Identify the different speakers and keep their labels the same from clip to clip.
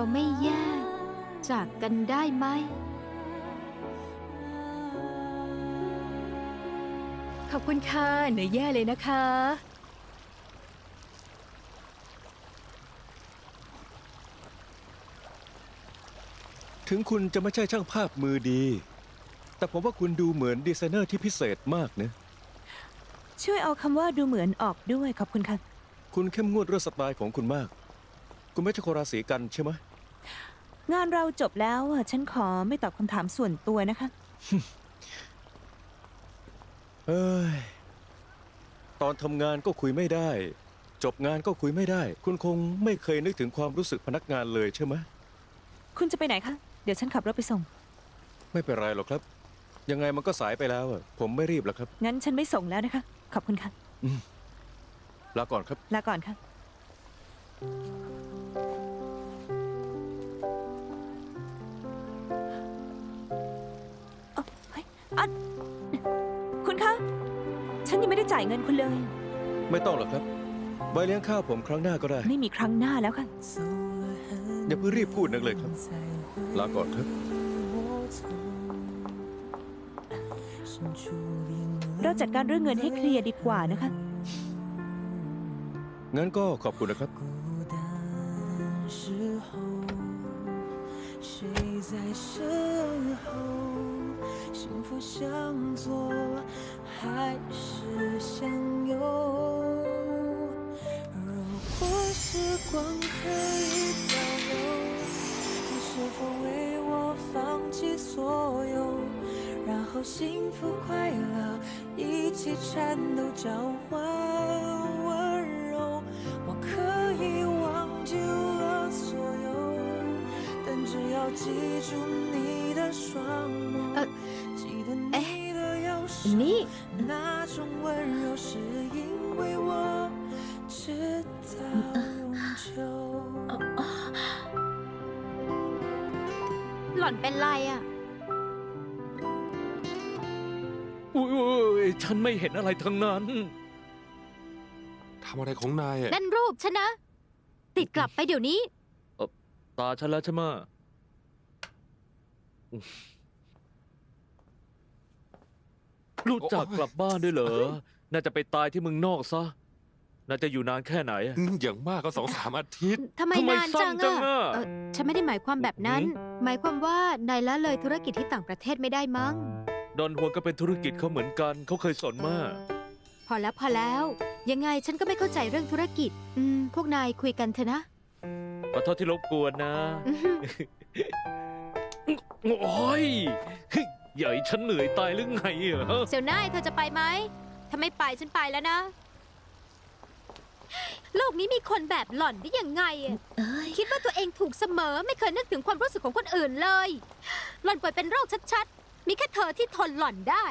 Speaker 1: ไม่แยกจากกันได้ไหม
Speaker 2: ขอบคุณค่ะเหนื่อยแย่เลยนะคะ
Speaker 3: ถึงคุณจะไม่ใช่ช่างภาพมือดี แต่ผมว่าคุณดูเหมือนดีไซเนอร์ที่พิเศษมากนะ
Speaker 4: ช่วยเอาคำว่าดูเหมือนออกด้วยขอบคุณค่ะ
Speaker 3: คุณเข้มงวดเรื่องสไตล์ของคุณมาก คุณไม่ใช่คนราศีกันใช่ไหม
Speaker 4: งานเราจบแล้วฉันขอไม่ตอบคำถามส่วนตัวนะคะ
Speaker 3: เอ้ย ตอนทำงานก็คุยไม่ได้ จบงานก็คุยไม่ได้ คุณคงไม่เคยนึกถึงความรู้สึกพนักงานเลยใช่ไหม
Speaker 4: คุณจะไปไหนคะเดี๋ยวฉันขับรถไปส่ง
Speaker 3: ไม่เป็นไรหรอกครับ ยังไงมันก็สายไปแล้วอะผมไม่รีบหรอกครับ
Speaker 4: งั้นฉันไม่ส่งแล้วนะคะ ขอบคุณค่ะ
Speaker 3: ลาก่อนครับ
Speaker 4: ลาก่อนค่ะ เฮ้ยคุณคะ ฉันยังไม่ได้จ่ายเงินคุณเลย
Speaker 3: ไม่ต้องหรอกครับไว้เลี้ยงข้าวผมครั้งหน้าก็ได้
Speaker 4: ไม่มีครั้งหน้าแล้วค่ะ
Speaker 3: อย่าเพิ่งรีบพูดนักเลยครับ ลาก่อนครับ
Speaker 4: เราจัดการเรื่องเงินให้เคลียร์ดีกว่านะคะ
Speaker 3: งั้นก็ขอบคุณนะครับ
Speaker 5: 幸福向左还是向右？如果时光可以倒流，你是否为我放弃所有，然后幸福快乐一起颤抖交换温柔？我可以忘记了所有，但只要记住你的双眸。记得你的右手，
Speaker 2: นี่
Speaker 5: 那种温柔是因为我知道永久。
Speaker 1: หล่อนเป็นไรอ่ะ
Speaker 6: อุ้ยฉันไม่เห็นอะไรทั้งนั้น
Speaker 7: ทำอะไรของนายอ่ะ
Speaker 1: นั่นรูปฉันนะ ติดกลับไปเดี๋ยวนี้
Speaker 6: ตาฉันแล้วใช่ไหมรู้จักกลับบ้านด้วยเหรอ น่าจะไปตายที่เมืองนอกซะ น่าจะอยู่นานแค่ไหนอะ
Speaker 7: อย่างมากก็2-3 อาทิตย์
Speaker 1: ทำไมนานจัง
Speaker 6: สั้นจัง
Speaker 1: อะ
Speaker 6: อะ
Speaker 1: ฉันไม่ได้หมายความแบบนั้น หมายความว่านายละเลยธุรกิจที่ต่างประเทศไม่ได้มั้ง
Speaker 6: ดอนฮวนก็เป็นธุรกิจเขาเหมือนกัน เขาเคยสอนมา
Speaker 1: พอแล้ว ยังไงฉันก็ไม่เข้าใจเรื่องธุรกิจ พวกนายคุยกันเถอะนะ
Speaker 6: ขอโทษที่รบกวนนะ
Speaker 1: อื้อหือ
Speaker 6: โอ้ยใหญ่ฉันเหนื่อยตายหรือไงเหรอ
Speaker 1: เซลน่ายเธอจะไปไหมถ้าไม่ไปฉันไปแล้วนะ โลกนี้มีคนแบบหล่อนได้ยังไงอะคิดว่าตัวเองถูกเสมอไม่เคยนึกถึงความรู้สึกของคนอื่นเลย หล่อนป่วยเป็นโรคชัดๆ มีแค่เธอที่ทนหล่อนได้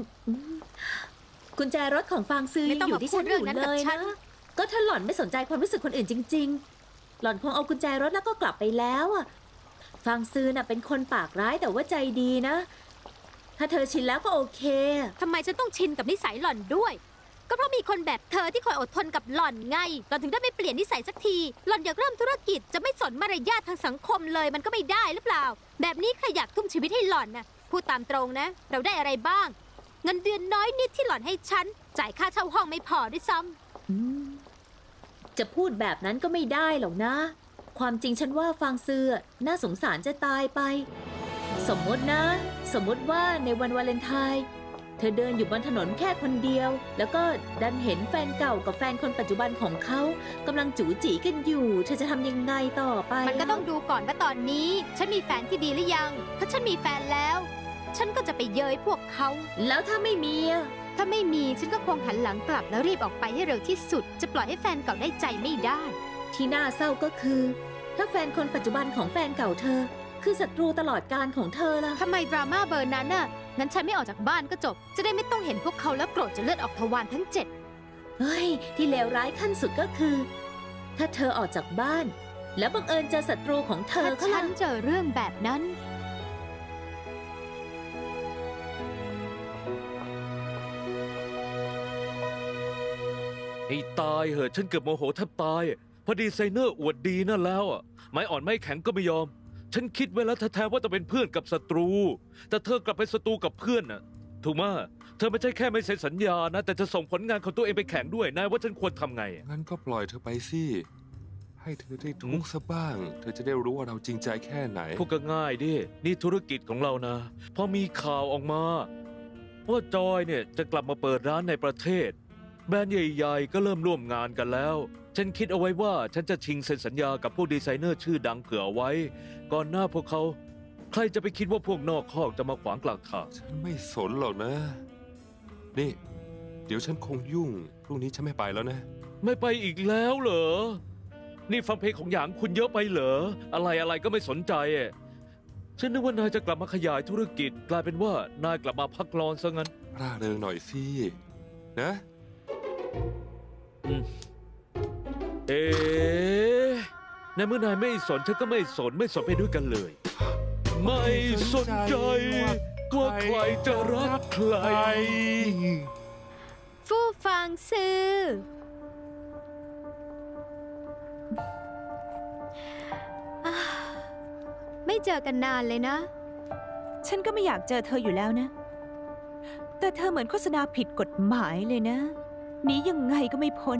Speaker 8: กุญแจรถของฟางซื้อ
Speaker 1: ไม่
Speaker 8: ยัง
Speaker 1: ต้อง
Speaker 8: อยู่ที่ฉัน
Speaker 1: มาพูดเรื่
Speaker 8: อ
Speaker 1: อง
Speaker 8: ยู่
Speaker 1: นั้น
Speaker 8: เล
Speaker 1: กับ
Speaker 8: ย
Speaker 1: ฉั
Speaker 8: นะ
Speaker 1: น
Speaker 8: ก็ถ้าหล่อนไม่สนใจความรู้สึกคนอื่นจริง ๆ หล่อนคงเอากุญแจรถแล้วก็กลับไปแล้วอะฟางซื้อน่ะเป็นคนปากร้ายแต่ว่าใจดีนะ ถ้าเธอชินแล้วก็โอเค
Speaker 1: ทำไมฉันต้องชินกับนิสัยหล่อนด้วย ก็เพราะมีคนแบบเธอที่คอยอดทนกับหล่อนไง หล่อนถึงได้ไม่เปลี่ยนนิสัยสักที หล่อนอยากเริ่มธุรกิจจะไม่สนมารยาททางสังคมเลยมันก็ไม่ได้หรือเปล่า แบบนี้ใครอยากทุ่มชีวิตให้หล่อนนะพูดตามตรงนะ เราได้อะไรบ้าง เงินเดือนน้อยนิดที่หล่อนให้ฉัน จ่ายค่าเช่าห้องไม่พอด้วยซ้ำ
Speaker 8: จะพูดแบบนั้นก็ไม่ได้หรอกนะ ความจริงฉันว่าฟางซื้อน่าสงสารจะตายไป สมมตินะ สมมติว่าในวันวาเลนไทน์เธอเดินอยู่บนถนนแค่คนเดียว แล้วก็ดันเห็นแฟนเก่ากับแฟนคนปัจจุบันของเขากำลังจู๋จีกันอยู่ เธอจะทำยังไงต่อไป
Speaker 1: มันก็ต้องดูก่อนว่าตอนนี้ ฉันมีแฟนที่ดีหรือยัง ถ้าฉันมีแฟนแล้ว ฉันก็จะไปเย้ยพวกเขา
Speaker 8: แล้วถ้าไม่มีอะ
Speaker 1: ถ้าไม่มีฉันก็คงหันหลังกลับแล้วรีบออกไปให้เร็วที่สุด จะปล่อยให้แฟนเก่าได้ใจไม่ได้
Speaker 8: ที่น่าเศร้าก็คือ ถ้าแฟนคนปัจจุบันของแฟนเก่าเธอ คือศัตรูตลอดกาลของเธอล่ะ
Speaker 1: ทำไมดราม่าเบอร์นั้นน่ะ งั้นฉันไม่ออกจากบ้านก็จบ จะได้ไม่ต้องเห็นพวกเขาแล้วโกรธจนเลือดออกทวารทั้งเจ็ด
Speaker 8: เฮ้ย ที่เลวร้ายขั้นสุดก็คือ ถ้าเธอออกจากบ้าน แล้วบังเอิญเจอศัตรูของเธอ
Speaker 1: ถ้า
Speaker 8: เขา
Speaker 1: ฉั
Speaker 8: ล่ะ
Speaker 1: นเจอเรื่องแบบนั้น
Speaker 6: ไอ้ตายเหอะฉันเกือบโมโหแทบตายเพอดีไซเนอร์อวดดีนั่นแล้วอะไม้อ่อนไม้แข็งก็ไม่ยอม ฉันคิดไว้แล้วแท้ๆว่าจะเป็นเพื่อนกับศัตรู แต่เธอกลับเป็นศัตรูกับเพื่อนน่ะ ถูกมะเธอไม่ใช่แค่ไม่เซ็นสัญญานะ แต่จะส่งผลงานของตัวเองไปแข่งด้วย นายว่าฉันควรทำไง
Speaker 7: งั้นก็ปล่อยเธอไปสิ ให้เธอได้ทุกข์ซะบ้าง เธอจะได้รู้ว่าเราจริงใจแค่ไหน
Speaker 6: พวกก็ง่ายดิ นี่ธุรกิจของเรานะ พอมีข่าวออกมาว่าจอยเนี่ยจะกลับมาเปิดร้านในประเทศ แบรนด์ใหญ่ๆก็เริ่มร่วมงานกันแล้ว ฉันคิดเอาไว้ว่าฉันจะชิงเซ็นสัญญากับพวกดีไซเนอร์ชื่อดังเผื่อไว้ ก่อนหน้าพวกเขา ใครจะไปคิดว่าพวกนอกคอกจะมาขวางกลางทาง
Speaker 7: ฉันไม่สนหรอกนะ นี่ เดี๋ยวฉันคงยุ่ง พรุ่งนี้ฉันไม่ไปแล้วนะ
Speaker 6: ไม่ไปอีกแล้วเหรอ นี่ฟังเพลงของหยางคุณเยอะไปเหรอ อะไรก็ไม่สนใจอะฉันนึกว่านายจะกลับมาขยายธุรกิจ กลายเป็นว่านายกลับมาพักร้อนซะงั้น
Speaker 7: ร่าเริงหน่อยสิ นะ
Speaker 6: เอ๊ะในเมื่อนายไม่สนฉันก็ไม่สนไปด้วยกันเลย ไม่สนใจว่าใครจะรักใคร
Speaker 1: ฟู่ฟางซื่ออ่าไม่เจอกันนานเลยนะ
Speaker 4: ฉันก็ไม่อยากเจอเธออยู่แล้วนะ แต่เธอเหมือนโฆษณาผิดกฎหมายเลยนะ หนียังไงก็ไม่พ้น